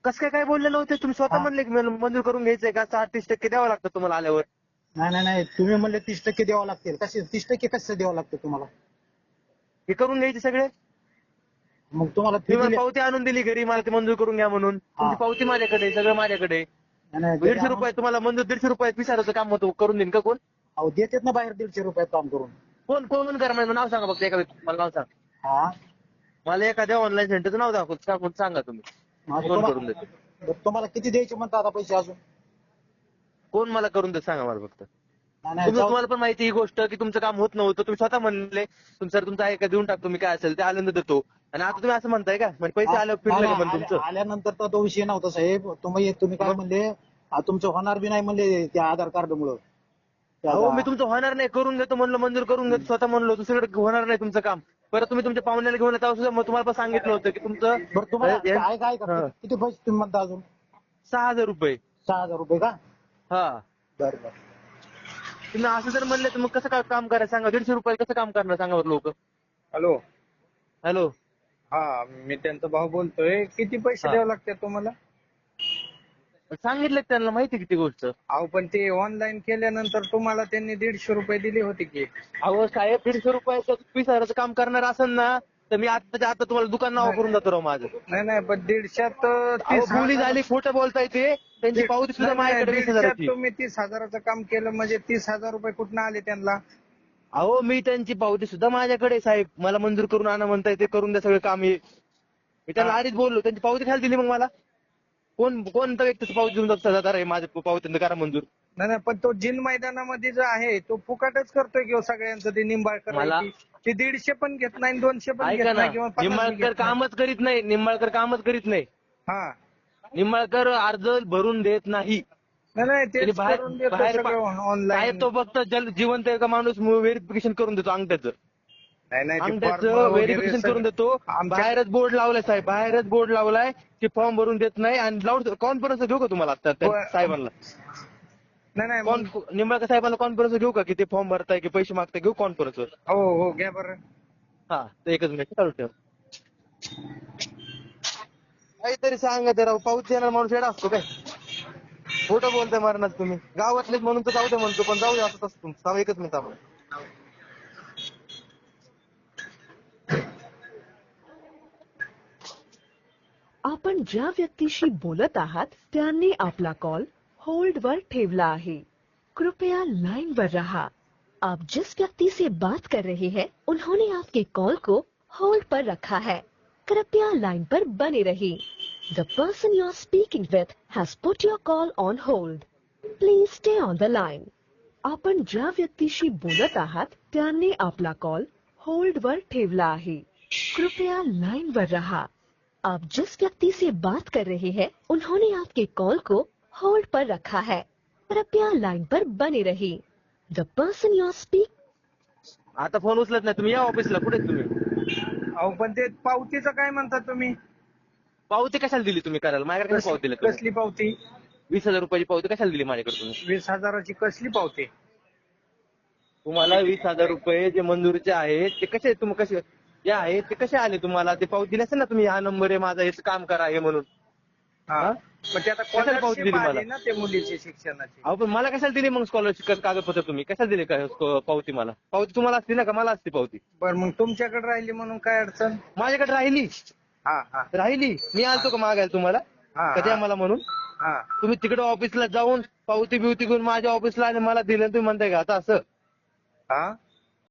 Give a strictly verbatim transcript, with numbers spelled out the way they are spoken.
कसं काय काय बोलले नव्हते तुम्ही स्वतः हा. म्हणले की मला मंजूर करून घ्यायचंय का साठ तीस टक्के द्यावं लागतं तुम्हाला आल्यावर. नाही नाही नाही तुम्ही म्हणले तीस टक्के द्यावं लागतील. कसे तीस टक्के कसं द्यावं लागतं तुम्हाला? हे करून घ्यायचे सगळे. मग तुम्हाला फी तुम्ही मला दिली. पावती आणून दिली घरी मला ते मंजूर करून घ्या म्हणून. तुमची पावती माझ्याकडे आहे, सगळं माझ्याकडे आहे. नाही, नाही, घरी दीडशे आणून- रुपये तुम्हाला मंजूर दीडशे रुपयात विचारायचं काम होतं करून देईन का कोण? अहो देतात ना बाहेर दीडशे रुपयात काम करून. कोण कोण करा माझं नाव सांगा फक्त एका व्यक्ती मला नाव सांगा. हा मला एखाद्या ऑनलाईन सेंटरचं नाव दाखव सांगून सांगा तुम्ही. माझं कोण तुम्हाला- करून देते? बरं, तुम्हाला किती द्यायचे म्हणता आता पैसे अजून? कोण मला करून देत सांगा मला फक्त. नाही, नाही, तुम्ही जाऊ- तुम्हाला पण माहिती ही गोष्ट की तुमचं काम होत नव्हतं तुम्ही स्वतः म्हणले तुमचं सर तुमचं आहे का देऊन टाकतो मी काय असेल ते आनंद देतो आणि आता तुम्ही असं म्हणताय का म्हणजे पैसे आले फिरले का नाही, पण नाही, तुमचं. आल्या- आल्यानंतर तर तो विषय नव्हता साहेब. तुम्ही तुम्ही काय म्हणले आ, तुमचं होणार बी नाही म्हणले त्या आधार कार्ड मुळे. हो मी तुमचं होणार नाही करून देतो म्हणलं मंजूर करून देतो स्वतः म्हणलो दुसरीकडे होणार नाही तुमचं काम. परत तुम्ही तुमच्या पाहुण्याला घेऊन येता सुद्धा मग तुम्हाला पण सांगितलं होतं की तुमचं बरं तुम्हाला हे- काय काय का हा. किती पैसे तुम्ही म्हणता अजून? सहा हजार रुपये. सहा हजार रुपये का? हा बरं बरं. तुम्ही असं जर म्हणले तर मग कसं काय काम करायचं सांगा. दीडशे रुपये कसं काम करणार सांगा बरं लोक. हॅलो. हॅलो हा मी त्यांचा भाऊ बोलतोय. किती पैसे हा. द्यावे लागतात तुम्हाला? सांगितलं त्यांना माहिती किती गोष्ट. अहो पण ते ऑनलाईन केल्यानंतर तुम्हाला त्यांनी दीडशे रुपये दिले होते की. अहो साहेब दीडशे रुपयाचं वीस हजाराचं काम करणार असेल ना तर मी आताच्या आता तुम्हाला दुकान नाव करून जातो राव माझं. नाही नाही पण दीडशात अहो तीस बोली हजार- झाली खोटं बोलताय ते त्यांची पावती सुद्धा नाही, नाही, माझ्याकडे वीस दीडशात हजाराची. तुम्ही तीस हजाराचं काम केलं म्हणजे तीस हजार रुपये कुठनं आले त्यांना? अहो मी त्यांची पावती सुद्धा माझ्याकडे आहे, साहेब मला मंजूर करून आणा म्हणताय ते करून द्या सगळं काम हे. मी त्यांना आधीच बोललो त्यांची पावती खायला दिली मग मला. कोण कोणतं व्यक्तीची पावती देऊन जातात आहे माझ्या पावती करा मंजूर. नाही नाही पण तो जिन मैदानामध्ये जो आहे तो फुकाटच करतोय किंवा सगळ्यांचं ते निंबाळकर मला- आहे ती- ते दीडशे पण घेत नाही दोनशे पण ऐका घेत ना नाही किंवा पन्नास बी निंबाळकर घेत नाही. कामच करीत नाही निंबाळकर कामच करीत नाही. हा निंबाळकर अर्ज भरून देत नाही. नाही नाही त्यांनी तेच बाहेर करून देतो बाहेर सगळं साहेब ऑनलाईन. तो फक्त जल जिवंत आहे का माणूस व्हेरिफिकेशन करून देतो अंगठ्याचं. नाही नाही ते अंगठ्याचं form वगैरे व्हेरिफिकेशन सगळं- करून देतो. आमच्या- बाहेरच बोर्ड लावलाय साहेब बाहेरच बोर्ड लावलाय की फॉर्म भरून देत नाही आणि लाऊड कॉन्फरन्स घेऊ का तुम्हाला आता त्या होय. साहेबांना नाही नाही कॉन मग- निंबाळकर साहेबांना कॉन्फरन्स घेऊ का की ते फॉर्म भरताय की पैसे मागताय घेऊ कॉन्फरन्सवर. हो हो घ्या बरं. हा तर एकच मिनिट चालू ठेव. काहीतरी सांगा ते राव पाऊस येणार माणूस येणार असतो काय खोटं बोलताय मारणार तुम्ही गावातलेच म्हणून तर जाऊ दे म्हणतो पण जाऊ दे असं तसं तुमचं थांबा, एकच मिनिट थांबा. आपण ज्या व्यक्तीशी बोलत आहात त्यांनी आपला कॉल होल्ड वर ठेवला आहे. कृपया लाइन पर रहा. आप जिस व्यक्ति से बात कर रहे हैं उन्होंने आपके कॉल को होल्ड पर रखा है. कृपया लाइन पर बने रहिए. The person you are speaking with has put your call on hold. Please stay on the line. आपण ज्या व्यक्तीशी बोलत आहात त्यांनी आपला कॉल होल्ड वर ठेवला आहे. कृपया लाइन पर रहा. आप जिस व्यक्ति से बात कर रहे हैं उन्होंने आपके कॉल को होल्ड पर रखा है. कृपया लाइन पर बने रहिए. The person you are speak आता फोन उचलत नाही तुम्ही या ऑफिसला कुठे आहेत तुम्ही. अहो पण ते पावतीचं काय म्हणता तुम्ही? पावती कशाला दिली तुम्ही करायला माझ्याकडे कशी पावती दिली तुम्ही? कसली पावती? वीस हजार रुपयाची पावती कशाला दिली माझ्याकडे तुम्ही? वीस हजाराची कसली पावती? तुम्हाला वीस हजार रुपये जे मंजुरीचे आहेत ते कसे तुम्ही कसे जे आहेत ते कसे आले तुम्हाला ते पावती दिली असेल ना तुम्ही हा नंबर आहे माझा हेच काम करा हे म्हणून. हा हा? पण ते आता कशाला पावती दिली scholarship आली मला? ना ते मुलीची शिक्षणाची. अहो पण मला कशाला दिली मग स्कॉलरशिप कागदपत्र तुम्ही कशाला दिले काय पावती मला पावती तुम्हाला असते ना का मला असते पावती. बरं मग तुमच्याकडे राहिली म्हणून काय अडचण? माझ्याकडे राहिली हा हा राहिली मी आलतो का मागायला तुम्हाला हा, कधी हा. आम्हाला म्हणून हा तुम्ही तिकडे ऑफिसला जाऊन पावती बिवती घेऊन माझ्या ऑफिसला आणि मला दिलं तुम्ही म्हणताय का आता असं. हा